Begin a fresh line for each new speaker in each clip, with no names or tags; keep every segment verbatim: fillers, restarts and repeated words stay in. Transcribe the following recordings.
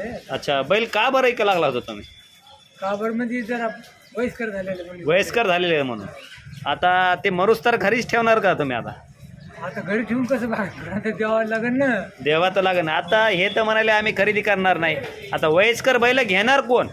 ते.
अच्छा, बैल का बरं ऐका लागला होता तुम्ही?
का बरं म्हणजे जरा वयस्कर झालेले म्हणजे
वयस्कर झालेले आहे म्हणून. आता ते मरूस तर घरीच ठेवणार का तुम्ही? आता
आता घरी ठेवून कसं बघा आता द्यावं लागेल ना.
देवा तर लागेल. आता हे तर म्हणाले आम्ही खरेदी करणार नाही. आता वयस्कर बैल घेणार कोण?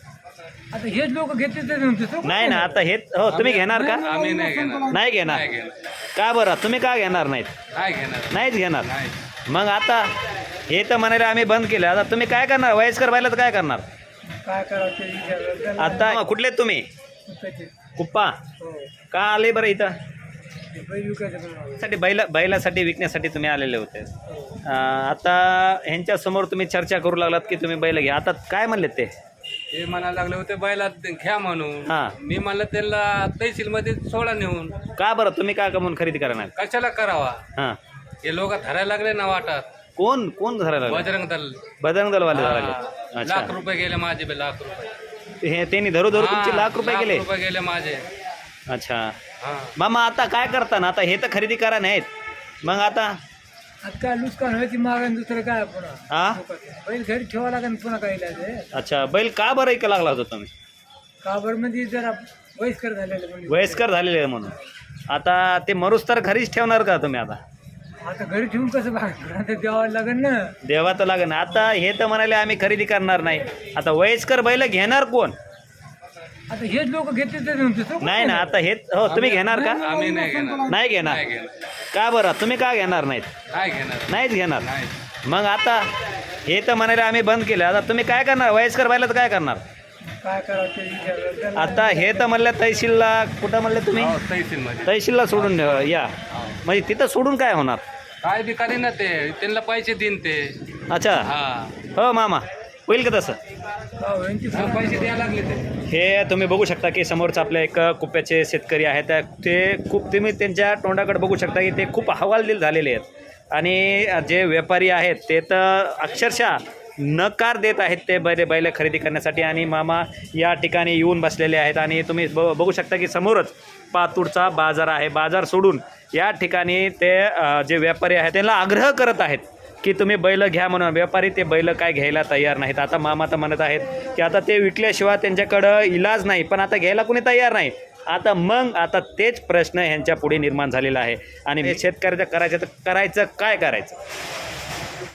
आता हेच लोक घेते ते म्हणतो.
नाही ना, आता हे हो तुम्ही घेणार का?
आम्ही नाही घेणार.
नाही घेणार.
नाही घेणार.
का बरं? तुम्ही का घेणार नाहीत?
नाही घेणार.
नाहीच घेणार.
नाही.
मग आता हे तर म्हणाले आम्ही बंद केलं. आता तुम्ही काय करणार? वयस्कर बैलाचं काय करणार?
काय करावं ते विचार त्याला.
आता कुठले आहेत तुम्ही?
कुठं
कुप्पा
हो
का आले बरं इथं?
ते बैल विकायचं पण
साठी बैला बैलासाठी विकण्यासाठी तुम्ही आलेले होते.
हो.
अं, आता ह्यांच्या समोर तुम्ही चर्चा करू लागलात की तुम्ही बैल घ्या. आता काय म्हणले ते?
ते म्हणायला लागले होते बैला घ्या म्हणून.
हां.
मी म्हणलं त्यांना तहसील मध्ये सोडा नेऊन.
का बरं? तुम्ही काय कमवून खरेदी करणार?
कशाला करावा?
हां.
हे लोक धरायला लागले ना वाटात.
कोण कोण धरायला लागले?
बजरंग दल.
बजरंग दलवाले
हा.
धरायले. अच्छा.
लाख रुपये गेले माझे बे, लाख रुपये.
हे त्यांनी धरू धरू तुमचे
हा,
लाख रुपये गेले.
रुपये गेले माझे.
अच्छा.
हा.
मामा आता काय करता ना? आता हे तर खरेदी करा नाहीत. मग आता
आता काय नुकसान व्हायची मागं दुसरं काय पुन्हा
हा
बैल घरी ठेवावं लागेल पुन्हा काय इलाज आहे.
अच्छा, बैल का बरं ऐका लागला होता तुम्ही?
का बरं म्हणजे जरा वयस्कर झालेले म्हणजे
वयस्कर झालेले आहे म्हणून. आता ते मरूस तर घरीच ठेवणार का तुम्ही? आता
आता घरी ठेवून कसं बघा आता द्यावं लागेल ना.
देवा तर लागेल. आता हे तर म्हणाले आम्ही खरेदी करणार नाही. आता वयस्कर बैल घेणार कोण?
आता हेच लोक घेते ते म्हणतो.
नाही ना, आता हे हो तुम्ही घेणार का?
आम्ही नाही घेणार.
नाही घेणार.
नाही घेणार.
का बरं? तुम्ही का घेणार नाहीत?
नाही घेणार.
नाहीच घेणार.
नाही.
मग आता हे तर म्हणाले आम्ही बंद केलं. आता तुम्ही काय करणार? वयस्कर बैलाचं काय करणार?
काय करावं ते विचार त्याला.
आता हे तर म्हणलं तहसीलला. कुठं म्हणले तुम्ही?
हो, तहसील मध्ये.
तहसीलला सोडून या. म्हणजे तिथं सोडून काय होणार?
काय बी करी ना ते, त्यांना पैसे देईन ते.
अच्छा.
हा.
हो मामा, होईल का तसं?
हो, यांची
हा, पैसे द्यायला लागले ते.
हे तुम्ही बघू शकता की समोरचं आपले एक कुप्याचे शेतकरी आहेत. ते खूप तुम्ही त्यांच्या तोंडाकडे बघू शकता की ते खूप हवालदिल झालेले आहेत. आणि जे व्यापारी आहेत ते तर अक्षरशः नकार देत आहेत ते बैल बैल खरेदी करण्यासाठी. आणि मामा या ठिकाणी येऊन बसलेले आहेत. आणि तुम्ही ब बघू शकता की समोरच पातूरचा बाजार आहे. बाजार सोडून या ठिकाणी ते अ, जे व्यापारी आहेत त्यांना आग्रह करत आहेत की तुम्ही बैल घ्या म्हणून. व्यापारी ते बैल काय घ्यायला तयार नाहीत. आता मामा तर म्हणत आहेत की आता ते विकल्याशिवाय त्यांच्याकडं इलाज नाही. पण आता घ्यायला कोणी तयार नाही. आता मग आता तेच प्रश्न ह्यांच्या पुढे निर्माण झालेला आहे. आणि शेतकऱ्याचं करायचं तर करायचं काय करायचं?